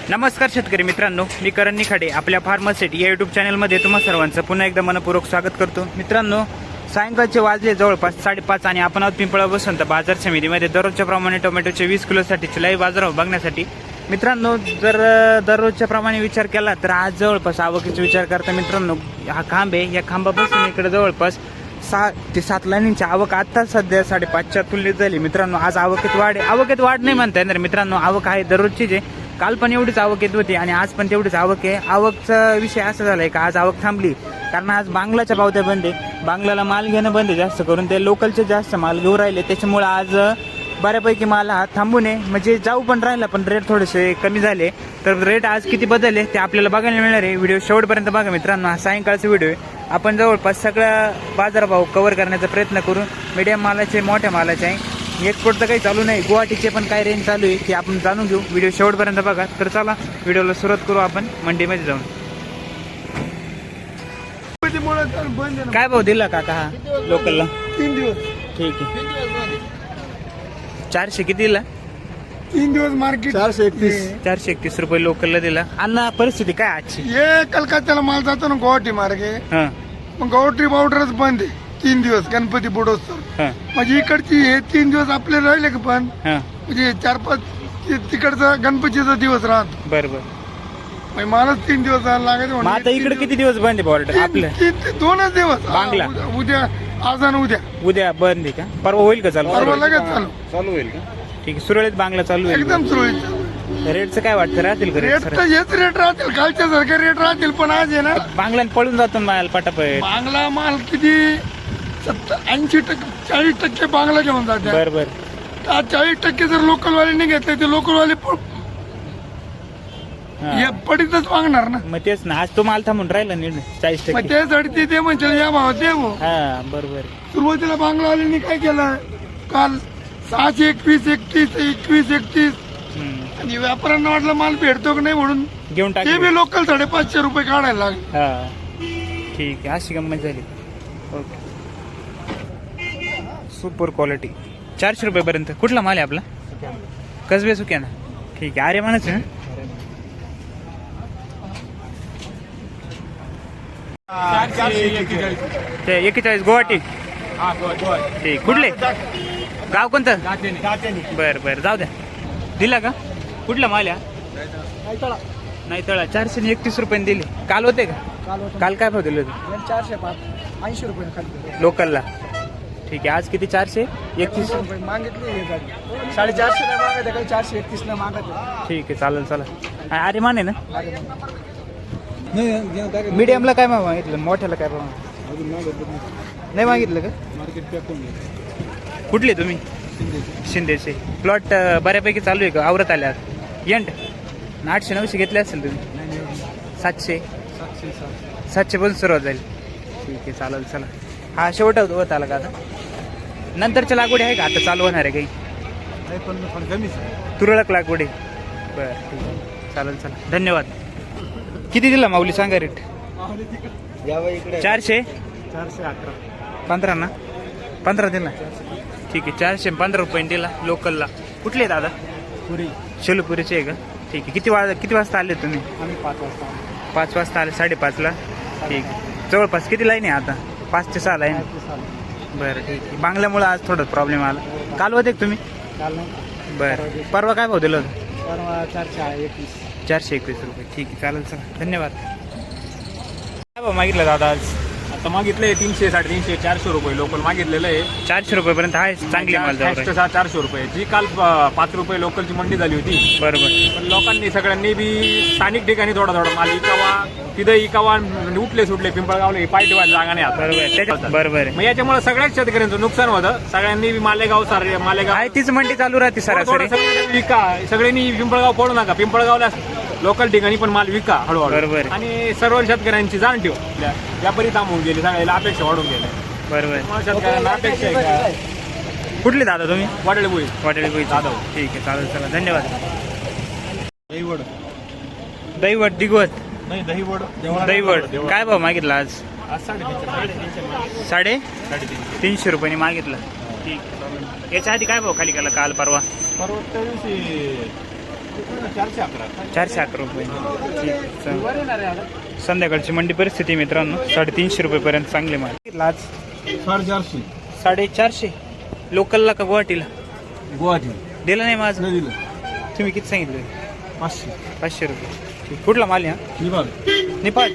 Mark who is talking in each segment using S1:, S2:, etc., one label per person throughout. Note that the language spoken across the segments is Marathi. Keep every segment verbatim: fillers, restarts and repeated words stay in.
S1: नमस्कार शेतकरी मित्रांनो, मी करण निखाडे आपल्या फार्मसेट या यूट्यूब चॅनलमध्ये तुम्हा सर्वांचं पुन्हा एकदा मनपूर्वक स्वागत करतो। मित्रांनो, सायंकाळचे वाजले जवळपास साडेपाच आणि आपण आहोत पिंपळा बसवंत बाजार समितीमध्ये दररोजच्या प्रमाणे टोमॅटोचे वीस किलोसाठीचे लाईव्ह बाजारभाव बघण्यासाठी। मित्रांनो, जर दररोजच्या प्रमाणे विचार केला तर आज जवळपास आवकीचा विचार करता मित्रांनो, हा खांब आहे, या खांबापासून इकडे जवळपास सहा ते सात लाईनींची आवक आता सध्या साडेपाचच्या तुलनेत झाली। मित्रांनो, आज आवकेत वाढ आहे, आवकेत वाढ नाही म्हणता येणार मित्रांनो, आवक आहे दररोजचीच आहे। काल पण एवढीच आवक येत होती आणि आज पण तेवढीच आवक आहे। आवकचा विषय असा झालाय का आज आवक थांबली कारण आज बांगलाच्या पावत्या बंद आहे, बांगलाला माल घेणं बंद आहे, जास्त करून ते लोकलचे जास्त माल घेऊन राहिले, त्याच्यामुळे आज बऱ्यापैकी माल हा थांबून आहे, म्हणजे जाऊ पण राहिला पण रेट थोडेसे कमी झाले। तर रेट आज किती बदलले ते आपल्याला बघायला मिळणार आहे। व्हिडिओ शेवटपर्यंत बघा मित्रांनो, हा सायंकाळचा व्हिडिओ आहे, आपण जवळपास सगळा बाजारभाव कव्हर करण्याचा प्रयत्न करू। मीडियम मालाचे, मोठ्या मालाचे आहे, एक्सपोर्ट तर काही चालू नाही, गुवाहाटीचे पण काय रेंज चालू आहे ते आपण जाणून घेऊ। व्हिडिओ शेवटपर्यंत बघा। तर चला व्हिडिओला सुरुवात करू आपण मंडीमध्ये जाऊन। काय भाव दिला काका हा लोकलला?
S2: तीन दिवस
S1: ठीक आहे, चारशे किती दिला?
S2: तीन दिवस मार्केट चारशे एकतीस
S1: चारशे एकतीस रुपये लोकलला दिला। अण्णा परिस्थिती काय आजची?
S2: हे कलकत्त्याला माल जातो ना गुवाहाटी मार्गे,
S1: हा
S2: मग गुवाहाटी बॉर्डरच बंद आहे तीन दिवस गणपती बुडोत्सव,
S1: हा
S2: म्हणजे इकडची हे तीन दिवस आपले राहिले का पण
S1: हा
S2: म्हणजे चार पाच ते तिकडचा गणपतीचा दिवस राहतो,
S1: बरोबर।
S2: म्हणजे मालच तीन दिवस लागत
S1: मग आता इकडे किती दिवस बंद आहे बॉर्डर आपलं?
S2: दोनच दिवस
S1: बांगला.
S2: उद्या- उद्या आज आणि उद्या
S1: उद्या बंद आहे का? परवा होईल का चालू?
S2: परवा लगेच चालू
S1: चालू होईल का? ठीक आहे, सुरळीत बांगला चालू होईल।
S2: एकदम सुरळीत।
S1: रेटचं काय वाटतं, राहतील का
S2: रेट
S1: रेट?
S2: तर हेच रेट राहतील, कालच्या सारखे रेट राहतील, पण आज आहे ना
S1: बांगल्यान पळून जातो माल पटापट।
S2: बांगला माल किती ऐंशी टक्के चाळीस टक्के बांगला घेऊन जाते,
S1: बरोबर।
S2: चाळीस टक्के जर लोकलवाले घेतले ते लोकलवाले हे पडीतच मागणार ना,
S1: मग तेच ना, आज तो माल थांबून राहिला नीट चाळीस
S2: मग
S1: टक्के।
S2: त्यासाठी ते ते म्हणजे या भावात दे भाऊ.
S1: हा बरोबर।
S2: सुरुवातीला बांगलावाल्यांनी काय केलं, काल सहाशे एकवीस एकतीस एकवीस एकतीस
S1: हम्म.
S2: आणि व्यापाऱ्यांना वाटलं माल भेटतो की नाही म्हणून
S1: घेऊन टाक।
S2: ते बी लोकल साडेपाचशे रुपये काढायला लागले।
S1: हा ठीक आहे, अशी गंमत झाली। ओके, सुपर क्वालिटी चारशे रुपये पर्यंत। कुठला माल आहे आपला? कसबे सुक्या ना, ठीक आहे। अरे म्हणायचं ना, ते एकेचाळीस गुवाहाटी, ठीक। कुठले गाव कोणतं? बरं बरं, जाऊ द्या। दिला का? कुठला माल आहे? नाही तळा, चारशे एकतीस रुपयाने दिले। काल होते का? काल काय भाव दिले होते?
S2: चारशे पाच ऐंशी रुपये खाली
S1: लोकलला, ठीक आहे। आज किती? चारशे एकतीस
S2: रुपये मागितले, साडेचारशे नाही मागत काही, चारशे एकतीस नाही मागत।
S1: ठीक आहे, चालेल चला। अरे माने ना, मीडियमला काय भाव मागितलं, मोठ्याला काय भाव नाही मागितलं का?
S2: मार्केट
S1: कुठले तुम्ही? शिंदेचे। प्लॉट बऱ्यापैकी चालू आहे का? आवरत आल्या यंट आठशे नऊशे घेतले असेल तुम्ही? सातशे सातशे पण सुरुवात झाली, ठीक आहे, चालेल चला। हा शेवट होत आला का आता? नंतरच्या लागवडी आहे का आता चालू होणार आहे काही? तुरळक लागवडी, बरं ठीक आहे, चालेल चला, धन्यवाद। किती दिला माऊली सांगा रेट? चारशे
S2: चारशे अकरा
S1: पंधरा ना, पंधरा दिला, ठीक आहे। चारशे पंधरा रुपये दिला लोकलला। कुठले दादा?
S2: पुरी
S1: शेलूपुरीचे आहे का? ठीक आहे। किती वाज किती वाजता आले तुम्ही?
S2: आम्ही पाच वाजता
S1: पाच वाजता आले, साडेपाचला, ठीक आहे। जवळपास किती लाईन आहे आता? पाच ते सहा लाईन, बरं ठीक आहे। बांगल्यामुळे आज थोडं प्रॉब्लेम आला। काल होते का तुम्ही?
S2: काल नाही,
S1: बरं, परवा काय भाव दिला होता?
S2: परवा चारशे एकवीस
S1: चारशे एकवीस रुपये, ठीक आहे, चालेल चला, धन्यवाद। काय भाव मागितलं दादा आज?
S3: आता मागितले तीनशे साडेतीनशे चारशे रुपये लोकल मागितलेलं आहे।
S1: चारशे रुपयेपर्यंत आहे, चांगली माल जाऊ
S3: सहा चारशे रुपये जी काल प- पाच रुपये लोकलची मंडी झाली होती,
S1: बरोबर।
S3: पण लोकांनी सगळ्यांनी बी स्थानिक ठिकाणी थोडा थोडा माल इकावा, तिथं इकावा, म्हणजे उठले सुटले पिंपळगावले पाय ठेवायला जागा नाही आता,
S1: बरोबर त्याच्यात, बरोबर आहे।
S3: मग याच्यामुळे सगळ्याच शेतकऱ्यांचं नुकसान होतं। सगळ्यांनी बी मालेगाव सारे मालेगाव
S1: आहे तीच मंडी चालू राहते
S3: थोडं-
S1: सरासरी,
S3: थोडं सगळ्यांनी विका, सगळ्यांनी पिंपळगाव पडू नका, पिंपळगावला लोकल ठिकाणी पण माल विका हळूहळू,
S1: बरोबर.
S3: आणि सर्व शेतकऱ्यांची जाण ठेव, व्यापारी थांबून गेले, सगळ्याला अपेक्षा वाढून गेल्या,
S1: बरोबर।
S3: मग शेतकऱ्यांना अपेक्षा आहे का
S1: कुठले दादा तुम्ही?
S3: वाटेल बोई
S1: वाटेल कोई
S3: जाधव.
S1: ठीक आहे, चालेल चला, धन्यवाद।
S3: दहीवड
S1: दैवट दिगवत
S3: नाही दहीवड
S1: दैवट काय भाव मागितला आज?
S3: आज साडेतीनशे
S1: साडे
S3: साडेतीनशे
S1: तीनशे रुपयाने मागितला, ठीक आहे। याच्या आधी काय भाव खाली केला काल परवा?
S3: परवा त्या दिवशी चारशे अकरा
S1: चारशे अकरा रुपये ठीक चल. संध्याकाळची मंडी परिस्थिती मित्रांनो साडेतीनशे रुपयेपर्यंत चांगले माल. आज
S2: साडेचारशे
S1: साडेचारशे लोकलला का गुवाहाटीला
S2: गुवाहाटी
S1: दिलं नाही माझं.
S2: नाही दिलं.
S1: तुम्ही किती सांगितलं?
S2: पाचशे
S1: पाचशे रुपये ठीक. कुठला माल आहे हा?
S2: निभाग
S1: नेपाळ.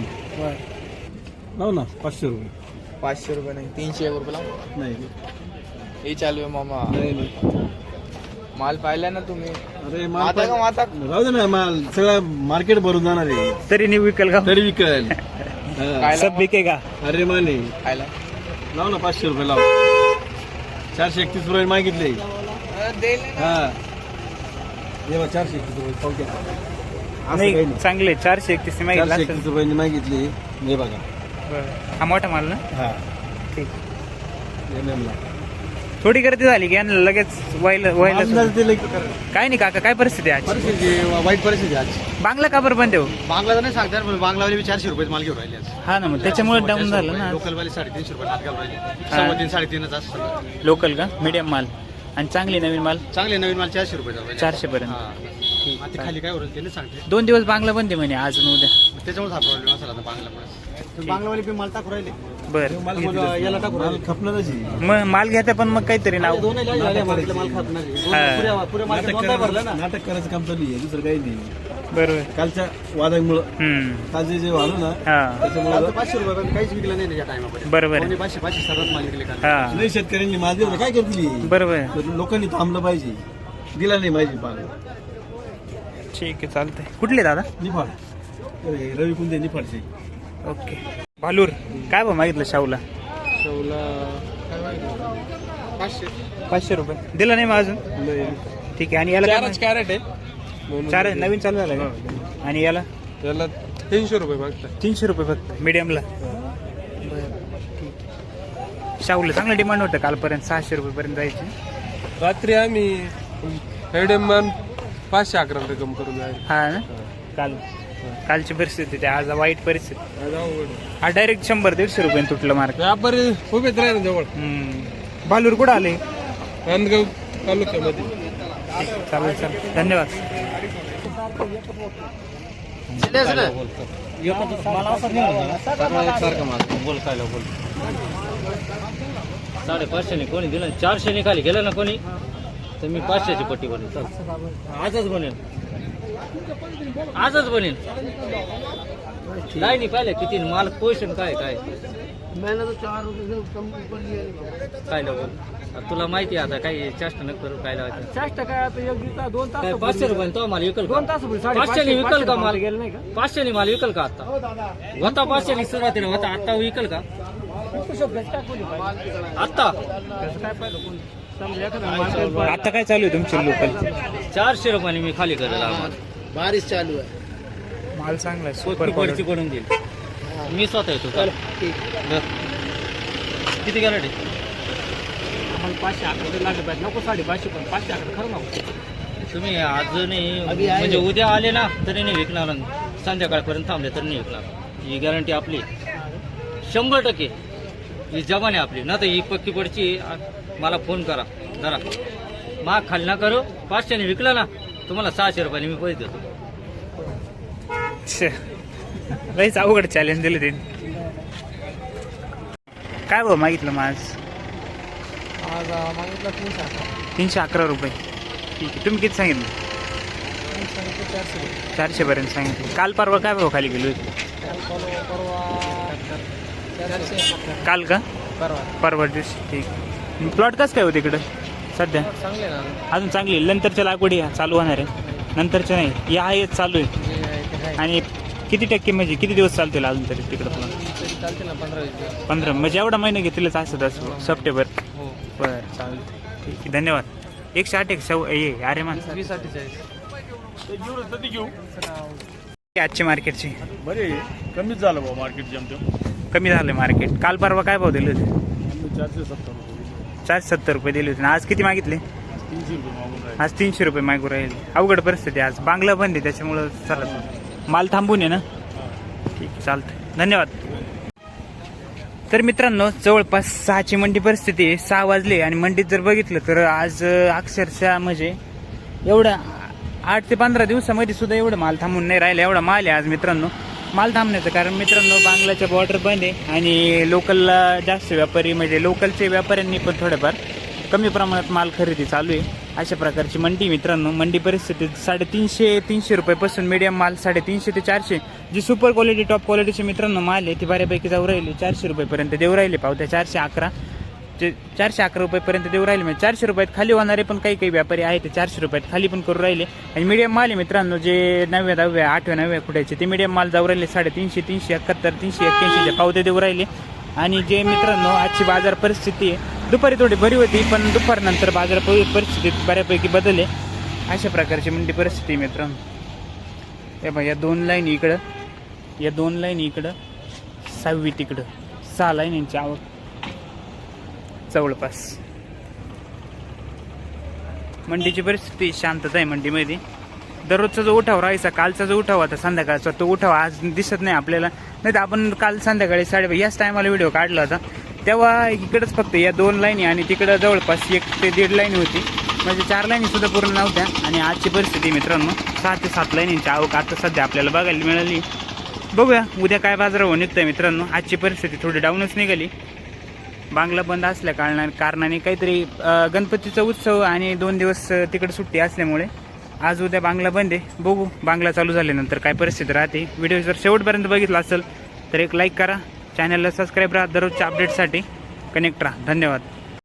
S2: लाव ना पाचशे रुपये.
S4: पाचशे रुपये नाही तीनशे एक रुपये लावून
S2: नाही
S4: हे चालू आहे मामा.
S2: नाही नाही.
S4: माल पाहिला ना तुम्ही
S2: अरे
S4: आता का माता
S2: राहू दे ना माल सगळं मार्केट भरून जाणार आहे
S1: तरी नाही विकल का?
S2: तरी विकेल. हा.
S4: काय
S1: सब बिकेगा.
S2: अरे माने
S4: खायला
S2: लाव ना पाचशे रुपये लाव. चारशे एकतीस रुपये मागितले.
S4: देईल
S2: हा ये बघ, चारशे एकतीस रुपये पाव द्या. असं काही
S1: नाही
S2: नाही.
S1: चांगले चारशे एकतीस मागितलं
S2: चारशे
S1: असेल.
S2: एकतीस रुपयांनी मागितले. हे बघा.
S1: बरं. हा मोठा माल ना
S2: हा
S1: ठीक.
S2: एम एम ला
S1: थोडी गर्दी झाली की यांना लगेच व्हायला व्हायला
S2: आमदार ते लई-
S1: काय नाही काका काय परिस्थिती आहे आज?
S2: परिस्थिती वाईट परिस्थिती आज.
S1: बांगला का बरं बंद आहे हो?
S2: बांगला नाही सांगतात पण बांगलावाले बी चारशे रुपये माल घेऊन राहिले आज.
S1: हा ना मग त्याच्यामुळे डाऊन झालं ना.
S2: लोकलवाले साडेतीनशे रुपये हात घालून राहिले. सव्वा तीन साडेतीनच असं.
S1: लोकल का मीडियम माल आणि चांगली नवीन माल
S2: चांगले नवीन माल चारशे रुपये
S1: चारशे पर्यंत.
S2: आता खाली काय होईल ते सांगते.
S1: दोन दिवस बांगला बंद आहे म्हणे आज आणि उद्या.
S2: त्याच्यामुळे हा प्रॉब्लेम असेल आता बांगलामुळे. बांगलावाले बी माल टाकू राहिले.
S1: बरं
S2: याला टाकू राहिले. खपणारच आहे.
S1: मग माल घेता पण मग काहीतरी नाव
S2: दोन माल खपणार
S1: हा.
S2: पुऱ्या मार्केट भरला ना. नाटक करायचं काम चालू आहे दुसरं काही नाही.
S1: बरोबर.
S2: कालच्या वादामुळं
S1: हम्म
S2: काल जे जे झालं ना
S1: हा
S2: त्याच्यामुळे पाचशे रुपये काहीच विकलं नाही या टायमामध्ये.
S1: बरोबर आहे.
S2: पाचशे पाचशे सर्वात माल विकले काल.
S1: हा
S2: नाही शेतकऱ्यांनी माल दिला काय करतील.
S1: बरोबर आहे.
S2: तर लोकांनी थांबलं पाहिजे. दिला नाही पाहिजे पाल.
S1: ठीक आहे चालतंय. कुठले दादा?
S2: निफाड अरे, रवी कुंदे निफाडचे.
S1: ओके. भालूर काय भाव मागितलं शाहूला?
S4: पाचशे
S1: पाचशे रुपये दिलं नाही मग अजून. ठीक आहे. आणि याला काय मागितलं?
S3: कॅरेट आहे
S1: चार नवीन चालू झालं का? आणि याला
S3: त्याला तीनशे रुपये मागतात.
S1: तीनशे रुपये फक्त मीडियमला. शाहूला चांगलं डिमांड होतं कालपर्यंत सहाशे रुपयेपर्यंत जायचे.
S3: रात्री आम्ही हेडेमान पाचशे अकरा रुपये कम करून जाईल.
S1: हा ना काल कालची परिस्थिती ते आज वाईट परिस्थिती. हा डायरेक्ट शंभर दीडशे रुपये तुटलं मार्क.
S3: व्यापारी उभेच राहिले जवळ.
S1: भालूर कुठं आले?
S3: नांदगाव तालुक्यामध्ये.
S1: चालेल चालेल धन्यवाद.
S5: साडेपाचशेने कोणी दिलं चारशेने खाली गेलं ना कोणी तर मी पाचशेची पट्टी बनेल. चल आजच बनेल आजच बनेल. नाही पाहिलं किती माल पोषण काय काय काय लावून तुला माहिती आहे आता काही चेष्टा न करू काय लावायचं.
S6: चेष्टा काय आता एक दोन तास
S5: काय पाचशे रुपये तो माल विकल का?
S6: दोन तास
S5: पाचशेने विकल का माल?
S6: गेलं नाही का?
S5: पाचशेने माल विकल का आता? होता पाचशेने सुरुवातीला होता आता विकल का आता?
S6: काय पाहिलं कोण समजा एखादा माणूस
S1: आता काय चालू आहे तुमचे लोकल?
S5: चारशे रुपयाने मी खाली करेल आम्हाला.
S4: बारिश चालू आहे.
S1: माल चांगला आहे. सुपर
S5: कोणती
S1: क्वालिटी.
S5: पडची करून देईल मी स्वतः येतो. चल किती गॅरंटी?
S6: आम्हाला पाचशे अकरा लागले पाहिजे नको साडेपाचशे पण पाचशे अकरा खरं नको.
S5: तुम्ही आज नाही म्हणजे उद्या आले ना तरी नाही विकणार. संध्याकाळपर्यंत थांबले तरी नाही विकणार. ही गॅरंटी आपली शंभर टक्के. ही जबान आहे आपली ना. तर ही पक्की पडची. मला फोन करा जरा माग खाली ना करू. पाचशेने विकलं ना तुम्हाला सहाशे रुपयाने मी पैसे देतो.
S1: लईच अवघड चॅलेंज दिले ते. काय भाव मागितलं मग आज?
S4: आज मागितलं तीनशे अकरा.
S1: तीनशे अकरा रुपये ठीक आहे. तुम्ही किती सांगितलं?
S4: चारशे
S1: चारशे पर्यंत सांगितलं. काल परवा काय भाव खाली गेलो होते?
S4: चारशे
S1: काल का
S4: परवा
S1: परवा दिवशी ठीक. प्लॉट कसं काय होते इकडं सध्या?
S4: चांगले ना
S1: अजून चांगली आहे. नंतरच्या लागवडी ह्या चालू होणार आहे. नंतरच्या नाही या हेच चालू आहे.
S4: जे आहे ते आहे.
S1: आणि किती टक्के म्हणजे किती दिवस चालतील अजून तरी तिकडं प्लॉट?
S4: तरी चालते ना पंधरा वीस दिवस.
S1: पंधरा म्हणजे एवढा महिना घेतलेलंच असत असं सप्टेंबर.
S4: हो
S1: बरं चालतं ठीक आहे धन्यवाद. एकशे आठ एक सव ये अरे मान
S4: वीस अठ्ठेचाळीस.
S1: आजची मार्केटची
S2: बरे कमीच झालं भाऊ मार्केट जमते.
S1: कमी झालं मार्केट. काल परवा काय भाव दिले होते?
S2: चारशे सत्तर रुपये
S1: चारशे सत्तर रुपये दिले होते. आज किती मागितले?
S2: तीनशे रुपये मागून राहिले.
S1: आज तीनशे रुपये मागू राहील. अवघड परिस्थिती आज. बांगला बंद आहे त्याच्यामुळं चालत नाही. माल थांबून आहे ना. ठीक आहे चालतंय धन्यवाद. तर मित्रांनो जवळपास सहाची मंडी परिस्थिती आहे. सहा वाजले आणि मंडीत जर बघितलं तर आज अक्षरशः म्हणजे एवढा आठ ते पंधरा दिवसामध्ये सुद्धा एवढं माल थांबून नाही राहिला, एवढा माल आहे आज मित्रांनो. माल थांबण्याचं कारण मित्रांनो बांगलाच्या बॉर्डर बंद आहे आणि लोकलला जास्त व्यापारी म्हणजे लोकलचे व्यापाऱ्यांनी पण थोडेफार कमी प्रमाणात माल खरेदी चालू आहे. अशा प्रकारची मंडी मित्रांनो. मंडी परिस्थिती साडेतीनशे तीनशे रुपयापासून मीडियम माल साडेतीनशे ते चारशे, जी सुपर क्वालिटी टॉप क्वालिटीचे मित्रांनो माल आहे ती बऱ्यापैकी जाऊ राहिली चारशे रुपयेपर्यंत देऊ राहिले पावत्या. चारशे अकरा जे चारशे अकरा रुपयेपर्यंत देऊ राहिले म्हणजे चारशे रुपयात खाली होणारे पण काही काही व्यापारी आहेत ते चारशे रुपयात खाली पण करू राहिले. आणि मीडियम माल आहे मित्रांनो जे नवव्या दहाव्या आठव्या नवव्या फुटायचे ते मीडियम माल जाऊ राहिले साडेतीनशे तीनशे एकाहत्तर तीनशे एक्क्याऐंशीच्या पावते देऊ राहिले. आणि जे मित्रांनो आजची बाजार परिस्थिती आहे दुपारी थोडी बरी होती पण दुपारनंतर बाजार परिस्थितीत बऱ्यापैकी बदलले. अशा प्रकारची मंडी परिस्थिती मित्रांनो. हे बघा या दोन लाईन इकडं, या दोन लाईन इकडं, सहावी तिकडं, सहा लाईन यांची आवक जवळपास. मंडीची परिस्थिती शांतता आहे मंडीमध्ये. दररोजचा जो उठाव राहायचा कालचा जो उठाव होता संध्याकाळचा तो उठाव आज दिसत नाही आपल्याला. नाही तर आपण काल संध्याकाळी साडे याच टायमाला व्हिडिओ काढला होता तेव्हा इकडंच फक्त या दोन लाईनी आणि तिकडं जवळपास एक ते दीड लाईन होती, म्हणजे चार लाईनी सुद्धा पूर्ण नव्हत्या. आणि आजची परिस्थिती मित्रांनो सहा ते सात लाईनींची आवक आता सध्या आपल्याला बघायला मिळाली. बघूया उद्या काय बाजारावर निघतंय मित्रांनो. आजची परिस्थिती थोडी डाऊनच निघाली. बांगला बंद असल्या कारणाने कारणाने काहीतरी गणपतीचा उत्सव आणि दोन दिवस तिकडे सुट्टी असल्यामुळे आज उद्या बांगला बंद आहे. बघू बांगला चालू झाल्यानंतर काय परिस्थिती राहते. व्हिडिओ जर शेवटपर्यंत बघितला असेल तर एक लाईक करा, चॅनलला सबस्क्राईब राहा, दररोजच्या अपडेटसाठी कनेक्ट राहा. धन्यवाद.